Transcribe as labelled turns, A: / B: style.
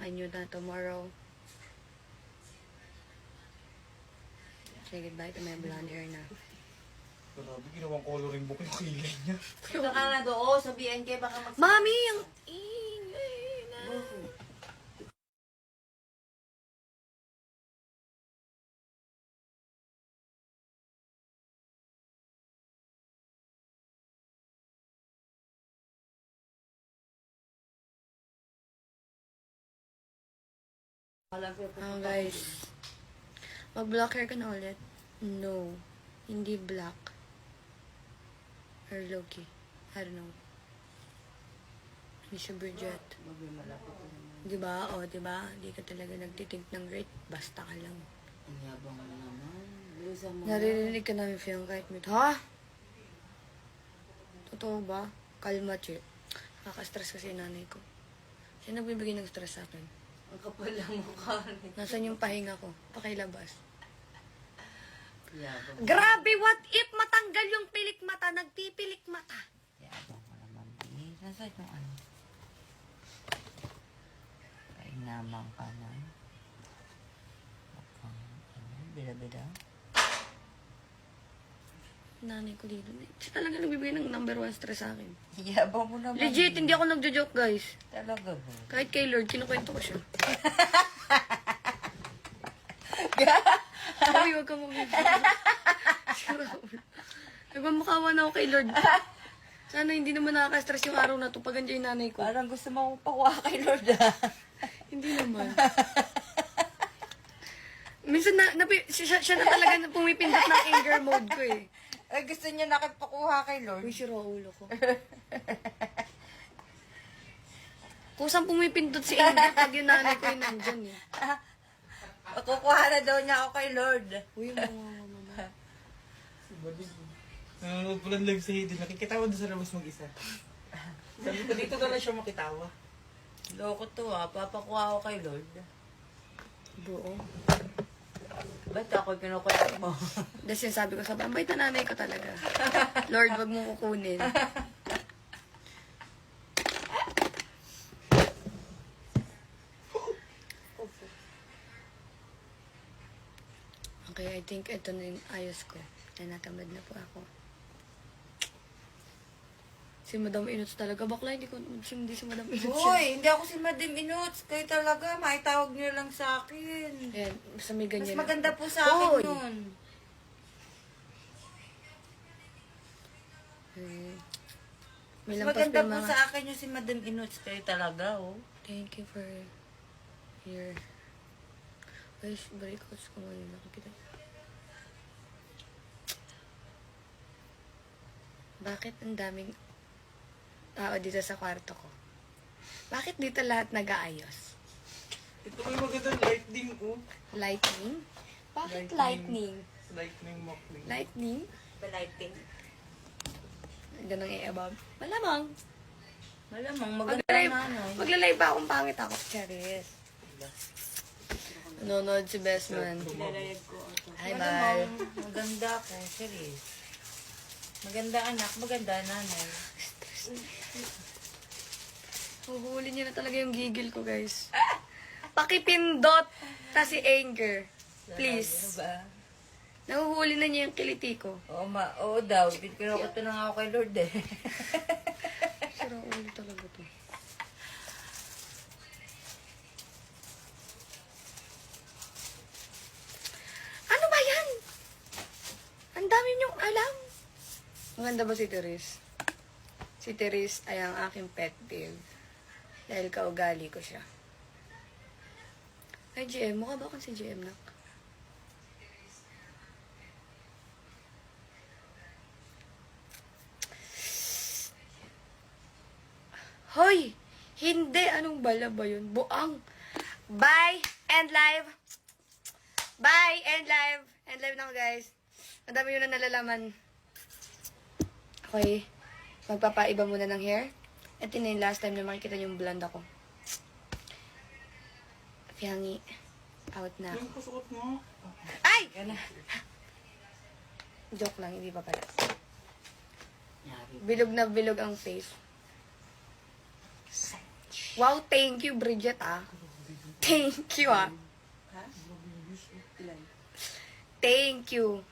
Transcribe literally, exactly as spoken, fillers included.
A: I knew that tomorrow. Say goodbye to my blonde hair na.
B: Grabe, ginawang coloring book yung kilay niya.
C: Ito ka na doon sa B N K, baka mag...
A: Mami, ang ingay na. Ah, guys. Mag-black hair ka na ulit? No. Hindi black. Or low-key. I don't know. Hindi siya Bridget. Diba? O, diba? Hindi ka talaga nagtitink ng rate. Basta ka lang.
C: Ang yabang mo naman. Bilisan mo.
A: Naririnig ka namin, Fiang, kahit mute. Ha? Totoo ba? Kalma, che. Nakaka-stress kasi yung nanay ko. Siya nagbibigay ng stress sa akin.
C: Ang kapal lang mukha rin.
A: Nasaan yung pahinga ko? Pakilabas.
C: Yabang.
A: Grabe, what if matanggal yung pilik mata? Nagpipilik mata.
C: Yabang mo naman. Eh, nasaan yung ano? Kainamang ka na. Mukhang, ano, bila-bila.
A: Nanay ko dito. Siya talaga nagbibigay ng number one stress sa akin.
C: Yabang mo naman.
A: Legit, hindi ako nagjo-joke, guys.
C: Talaga ba?
A: Kahit kay Lord, kinukwento ko siya. Uy, huwag kang mabibigay. Nagmamakawa na ako kay Lord. Sana hindi naman nakaka-stress yung araw na to pag andyan yung nanay ko.
C: Parang gusto mo akong pakuha kay Lord ah.
A: Hindi naman. Minsan na, na siya, siya na talaga pumipindot ng anger mode ko eh.
C: Ay, gusto niya nakipagpakuha kay Lord.
A: Uy, sira ulo ko. Kusang pumipindot si anger pag yung nanay ko yung nandyan eh.
C: Kukuha na daw niya ako kay Lord.
A: Uy, mga mama.
B: Si Bading. Nanonood ko lang live sa Hidden. Nakikitawa doon sa labas mag-isa. Sabi ko, dito na lang siya makitawa.
C: Loko to ah. Papakuha ako kay Lord.
A: Buo.
C: Ba't ako kinukuha mo?
A: Tapos yung sabi ko, sabi, ang bait na nanay ko talaga. Lord, wag mo kukunin. Okay, I think ito na yung ayos ko. Ay, natamad na po ako. Si Madam Inuts talaga. Bakla, hindi ko, hindi si Madam Inuts yun.
C: Uy, hindi ako si Madam Inuts. Kayo talaga, maitawag niyo lang sa akin.
A: Ayan, basta may
C: Mas
A: ganyan.
C: maganda po sa akin
A: Hoy!
C: yun.
A: Hmm. May
C: Mas
A: lampas
C: maganda
A: pa
C: po
A: mga...
C: sa akin yung si Madam Inuts. Kayo talaga, oh.
A: Thank you for your... Ay, breakouts ko ngayon. Nakikita. Bakit ang daming tao dito sa kwarto ko? Bakit dito lahat nag-aayos?
B: Ito may magandang lightning, oh.
A: Lightning? Bakit
B: Lightning.
A: lightning?
B: Lightning Mockling.
A: Lightning?
C: Balighting.
A: Ganang i-above. Malamang.
C: Malamang, maganda
A: Maglalay,
C: na, no?
A: maglalay ba akong pangit ako? Charis. Nanonood si Bestman.
C: Nilalayag ko ito.
A: Hi,
C: Malamang, maganda ako. Serious. Maganda anak, maganda nanay.
A: Huhuli niya na talaga yung gigil ko, guys. Pakipindot ta si anger. Please.
C: Ano ba?
A: Nahuhuli na niya yung kiliti ko.
C: Oo, ma oo daw. Kinukuto na nga ako kay Lord eh.
A: Sira ulo talaga to. Ano ba yan? Ang dami niyong alam. Maganda ba si Therese? Si Therese ay ang aking pet peeve. Dahil kaugali ko siya. Ay, G M. Mukha ba akong si G M, nak? Hoy! Hindi! Anong bala ba yun? Buang! Bye! End live! Bye! End live! End live na ako, guys. Ang dami yun na nalalaman. Okay. Magpapaiba muna ng hair. Ito na yung last time na makikita yung blonde ako. Pihangi. Out na.
B: Yung kasuot mo.
A: Ay! Joke lang, hindi pa pala. Bilog na bilog ang face. Wow, thank you, Bridget, ah. Thank you, ah.
D: Ha? Ilan?
A: Thank you.